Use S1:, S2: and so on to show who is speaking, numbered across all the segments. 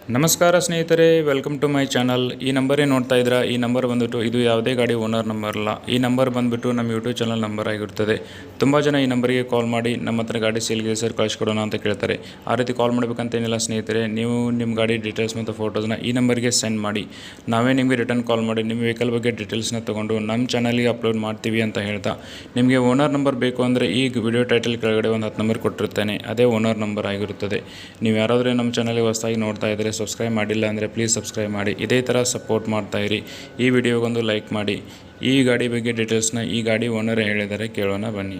S1: ನಮಸ್ಕಾರ ಸ್ನೇಹಿತರೆ, welcome to my channel. ಈ ನಂಬರೇ ನೋಡ್ತಾ ಇದ್ದೀರಾ. ಈ ನಂಬರ್ ಬಂದುಬಿಟ್ಟು ಇದು ಯಾವುದೇ ಗಾಡಿ ಓನರ್ ನಂಬರ್ ಅಲ್ಲ. ಈ ನಂಬರ್ ಬಂದುಬಿಟ್ಟು ನಮ್ಮ ಯೂಟ್ಯೂಬ್ ಚಾನಲ್ ನಂಬರ್ ಆಗಿರುತ್ತದೆ. ತುಂಬ ಜನ ಈ ನಂಬರಿಗೆ ಕಾಲ್ ಮಾಡಿ ನಮ್ಮ ಹತ್ರ ಗಾಡಿ ಸೇಲ್ಗೆ ಸರ್ ಕಳಿಸ್ಕೊಡೋಣ ಅಂತ ಕೇಳ್ತಾರೆ. ಆ ರೀತಿ ಕಾಲ್ ಮಾಡಬೇಕಂತೇನಿಲ್ಲ ಸ್ನೇಹಿತರೆ. ನೀವು ನಿಮ್ಮ ಗಾಡಿ ಡೀಟೇಲ್ಸ್ ಮತ್ತು ಫೋಟೋಸ್ನ ಈ ನಂಬರ್ಗೆ ಸೆಂಡ್ ಮಾಡಿ, ನಾವೇ ನಿಮಗೆ ರಿಟರ್ನ್ ಕಾಲ್ ಮಾಡಿ ನಿಮ್ಮ ವೆಹಿಕಲ್ ಬಗ್ಗೆ ಡೀಟೇಲ್ಸ್ನ ತೊಗೊಂಡು ನಮ್ಮ ಚಾನಲ್ಗೆ ಅಪ್ಲೋಡ್ ಮಾಡ್ತೀವಿ ಅಂತ ಹೇಳ್ತಾ, ನಿಮಗೆ ಓನರ್ ನಂಬರ್ ಬೇಕು ಅಂದರೆ ಈ ವಿಡಿಯೋ ಟೈಟಲ್ ಕೆಳಗಡೆ ಒಂದು 10 ನಂಬರ್ ಕೊಟ್ಟಿರ್ತೇನೆ. ಅದೇ ಓನರ್ ನಂಬರ್ ಆಗಿರುತ್ತದೆ. ನೀವು ಯಾರಾದರೂ ನಮ್ಮ ಚಾನಲ್ಗೆ ಹೊಸದಾಗಿ ನೋಡ್ತಾ ಇದ್ದರೆ, ಸಬ್ಸ್ಕ್ರೈಬ್ ಮಾಡಿಲ್ಲ ಅಂದರೆ ಪ್ಲೀಸ್ ಸಬ್ಸ್ಕ್ರೈಬ್ ಮಾಡಿ. ಇದೇ ಥರ ಸಪೋರ್ಟ್ ಮಾಡ್ತಾಯಿರಿ. ಈ ವಿಡಿಯೋಗೊಂದು ಲೈಕ್ ಮಾಡಿ. ಈ ಗಾಡಿ ಬಗ್ಗೆ ಡೀಟೇಲ್ಸ್ನ ಈ ಗಾಡಿ ಓನರ್ ಹೇಳಿದರೆ ಕೇಳೋಣ ಬನ್ನಿ.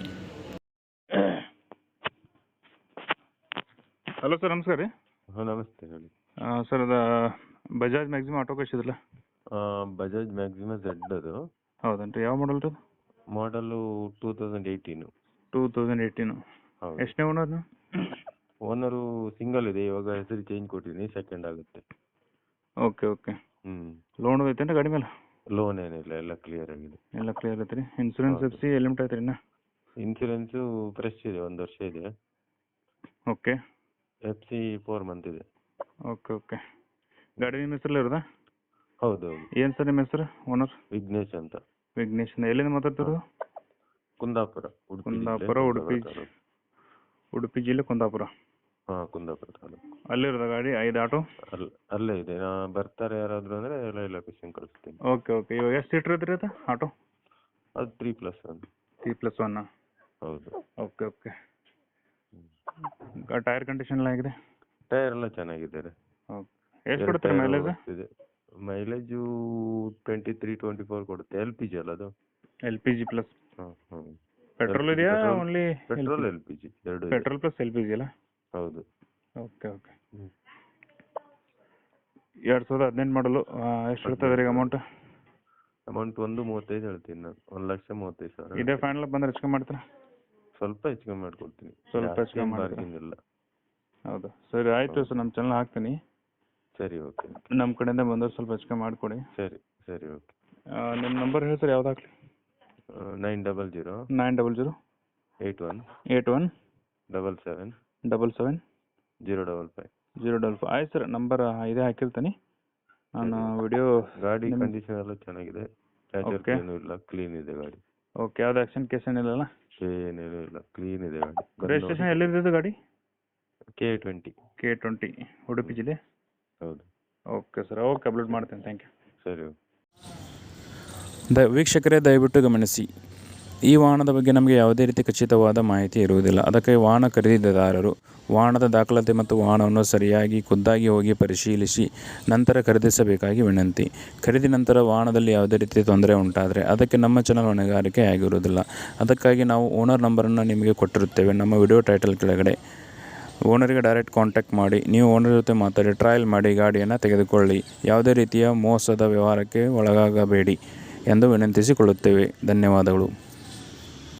S1: ಹಲೋ ಸರ್, ನಮಸ್ಕಾರ ರೀ.
S2: ಹಾಂ, ನಮಸ್ತೆ ಹೇಳಿ.
S1: ಸರ್, ಅದು ಬಜಾಜ್ ಮ್ಯಾಕ್ಸಿಮ ಆಟೋ ಕಳಿಸಿದ್ರಲ್ಲ?
S2: ಬಜಾಜ್ ಮ್ಯಾಕ್ಸಿಮ ಝೆಡ್ ಅದು.
S1: ಹೌದನ್ರಿ. ಯಾವ ಮಾಡಲ್ ರೀ ಅದು?
S2: ಮಾಡಲು 2018.
S1: 2018.
S2: ಹೌದು.
S1: ಎಷ್ಟನೇ ಓನರ್?
S2: ಓನರು ಸಿಂಗಲ್ ಇದೆ. ಇವಾಗ ಹೆಸರು ಚೇಂಜ್ ಕೊಟ್ಟಿದ್ದೀನಿ, ಸೆಕೆಂಡ್ ಆಗುತ್ತೆ.
S1: ಓಕೆ. ಲೋನ್ ಐತೇನ್ರಿ ಗಾಡಿ ಮೇಲೆ?
S2: ಲೋನ್ ಏನಿಲ್ಲ, ಎಲ್ಲ ಕ್ಲಿಯರ್ ಆಗಿದೆ.
S1: ಎಲ್ಲ ಕ್ಲಿಯರ್ ಐತೆ ರೀ. ಇನ್ಸೂರೆನ್ಸ್ ಎಫ್ ಸಿ ಎಲಿಮಿಟ್ ಐತೆ ರೀ ಇನ್ನ?
S2: ಇನ್ಸೂರೆನ್ಸು ಫ್ರೆಶ್ ಇದೆ, 1 ವರ್ಷ ಇದೆ.
S1: ಓಕೆ.
S2: FC 4 ಮಂತ್ ಇದೆ.
S1: ಓಕೆ. ಗಾಡಿ ನಿಮ್ಮ ಹೆಸರಲ್ಲೇ ಇರೋದಾ?
S2: ಹೌದು.
S1: ಏನು ಸರ್ ನಿಮ್ಮ ಹೆಸರು ಓನರ್?
S2: ವಿಘ್ನೇಶ್ ಅಂತ.
S1: ವಿಘ್ನೇಶ್. ಎಲ್ಲಿಂದ ಮಾತಾಡ್ತಿರೋದು?
S2: ಕುಂದಾಪುರ,
S1: ಉಡುಪಿ ಜಿಲ್ಲೆ ಕುಂದಾಪುರ.
S2: ಹಾಂ, ಕುಂದಾಪುರ ತಾಲೂಕು.
S1: ಅಲ್ಲಿರೋದ ಗಾಡಿ 5 ಆಟೋ?
S2: ಅಲ್ಲೇ ಇದೆ. ಬರ್ತಾರೆ ಯಾರಾದರೂ ಅಂದರೆ ಎಲ್ಲ ಲೊಕೇಶನ್ ಕಳಿಸ್ತೀನಿ.
S1: ಓಕೆ. ಇವಾಗ ಎಷ್ಟು ಸೀಟ್ರ್ ಐತ್ರಿ ಅದು ಆಟೋ?
S2: ಅದು 3+1.
S1: 3+1.
S2: ಹೌದು.
S1: ಓಕೆ. ಟೈರ್ ಕಂಡೀಷನ್ ಎಲ್ಲ ಆಗಿದೆ?
S2: ಟೈರ್ ಎಲ್ಲ ಚೆನ್ನಾಗಿದ್ದಾರೆ.
S1: ಓಕೆ. ಎಷ್ಟು ಕೊಡ್ತಾರೆ ಮೈಲೇಜ್?
S2: ಮೈಲೇಜು 23-24 ಕೊಡುತ್ತೆ. LPG ಅಲ್ಲ ಅದು?
S1: LPG plus.
S2: ಹಾಂ.
S1: ಪೆಟ್ರೋಲ್ ಇದೆಯಾ ಓನ್ಲಿ?
S2: ಪೆಟ್ರೋಲ್ LPG ಎರಡು.
S1: ಪೆಟ್ರೋಲ್ ಪ್ಲಸ್ LPG ಅಲ್ಲ?
S2: ಹೌದು.
S1: ಓಕೆ. 2018 ಮಾಡಲು. ಎಷ್ಟು ಇರ್ತದೆ ರೀ ಅಮೌಂಟ್?
S2: ಅಮೌಂಟ್ 1.35 ಹೇಳ್ತೀನಿ ನಾನು. 1,35,000.
S1: ಇದೇ ಫೈನಲ್ ಬಂದ್ರೆ ಹೆಚ್ಚು ಕಮ್ಮಿ ಮಾಡ್ತೀರಾ?
S2: ಸ್ವಲ್ಪ ಹೆಚ್ಚು ಕಮ್ಮಿ ಮಾಡ್ಕೊಡ್ತೀನಿ.
S1: ಸ್ವಲ್ಪ ಹೆಚ್ಚು ಕಮ್ಮಿ
S2: ಮಾಡ್ತೀನಿ.
S1: ಹೌದಾ? ಸರಿ, ಆಯಿತು ಸರ್. ನಮ್ಮ ಚಾನಲ್ ಹಾಕ್ತೀನಿ.
S2: ಸರಿ, ಓಕೆ.
S1: ನಮ್ಮ ಕಡೆಯಿಂದ ಬಂದವ್ರು ಸ್ವಲ್ಪ ಹೆಚ್ಚು ಕಮ್ಮಿ ಮಾಡಿಕೊಡಿ.
S2: ಸರಿ, ಓಕೆ.
S1: ನಿಮ್ಮ ನಂಬರ್ ಹೇಳಿ ಸರ್, ಯಾವ್ದು ಹಾಕ್ಲಿ?
S2: 900 81
S1: 77
S2: 055.
S1: ಆಯ್ತು ಸರ್, ನಂಬರ್ ಇದೇ ಹಾಕಿರ್ತೀನಿ ನಾನು. ವಿಡಿಯೋ
S2: ಗಾಡಿ ಕಂಡೀಷನ್ ಎಲ್ಲ ಚೆನ್ನಾಗಿದೆ. ಏನೂ ಇಲ್ಲ, ಕ್ಲೀನ್ ಇದೆ ಗಾಡಿ.
S1: ಓಕೆ. ಯಾವ್ದು ಆಕ್ಷನ್ ಕೇಸ್ ಏನಿಲ್ಲ?
S2: ಏನೇನೂ ಇಲ್ಲ, ಕ್ಲೀನ್ ಇದೆ ಗಾಡಿ.
S1: ರಿಜಿಸ್ಟ್ರೇಷನ್ ಎಲ್ಲಿದೆ ಗಾಡಿ?
S2: K20
S1: ಉಡುಪಿ ಜಿಲ್ಲೆ.
S2: ಹೌದು.
S1: Okay sir. ಓಕೆ, ಅಪ್ಲೋಡ್ ಮಾಡ್ತೀನಿ. Thank you.
S2: ಸರಿ.
S1: ವೀಕ್ಷಕರೇ, ದಯವಿಟ್ಟು ಗಮನಿಸಿ, ಈ ವಾಹನದ ಬಗ್ಗೆ ನಮಗೆ ಯಾವುದೇ ರೀತಿ ಖಚಿತವಾದ ಮಾಹಿತಿ ಇರುವುದಿಲ್ಲ. ಅದಕ್ಕೆ ವಾಹನ ಖರೀದಿದಾರರು ವಾಹನದ ದಾಖಲಾತಿ ಮತ್ತು ವಾಹನವನ್ನು ಸರಿಯಾಗಿ ಖುದ್ದಾಗಿ ಹೋಗಿ ಪರಿಶೀಲಿಸಿ ನಂತರ ಖರೀದಿಸಬೇಕಾಗಿ ವಿನಂತಿ. ಖರೀದಿ ನಂತರ ವಾಹನದಲ್ಲಿ ಯಾವುದೇ ರೀತಿ ತೊಂದರೆ ಉಂಟಾದರೆ ಅದಕ್ಕೆ ನಮ್ಮ ಚಾನಲ್ ಹೊಣೆಗಾರಿಕೆ ಆಗಿರುವುದಿಲ್ಲ. ಅದಕ್ಕಾಗಿ ನಾವು ಓನರ್ ನಂಬರನ್ನು ನಿಮಗೆ ಕೊಟ್ಟಿರುತ್ತೇವೆ ನಮ್ಮ ವಿಡಿಯೋ ಟೈಟಲ್ ಕೆಳಗಡೆ. ಓನರಿಗೆ ಡೈರೆಕ್ಟ್ ಕಾಂಟ್ಯಾಕ್ಟ್ ಮಾಡಿ, ನೀವು ಓನರ್ ಜೊತೆ ಮಾತಾಡಿ ಟ್ರಯಲ್ ಮಾಡಿ ಗಾಡಿಯನ್ನು ತೆಗೆದುಕೊಳ್ಳಿ. ಯಾವುದೇ ರೀತಿಯ ಮೋಸದ ವ್ಯವಹಾರಕ್ಕೆ ಒಳಗಾಗಬೇಡಿ ಎಂದು ವಿನಂತಿಸಿಕೊಳ್ಳುತ್ತೇವೆ. ಧನ್ಯವಾದಗಳು.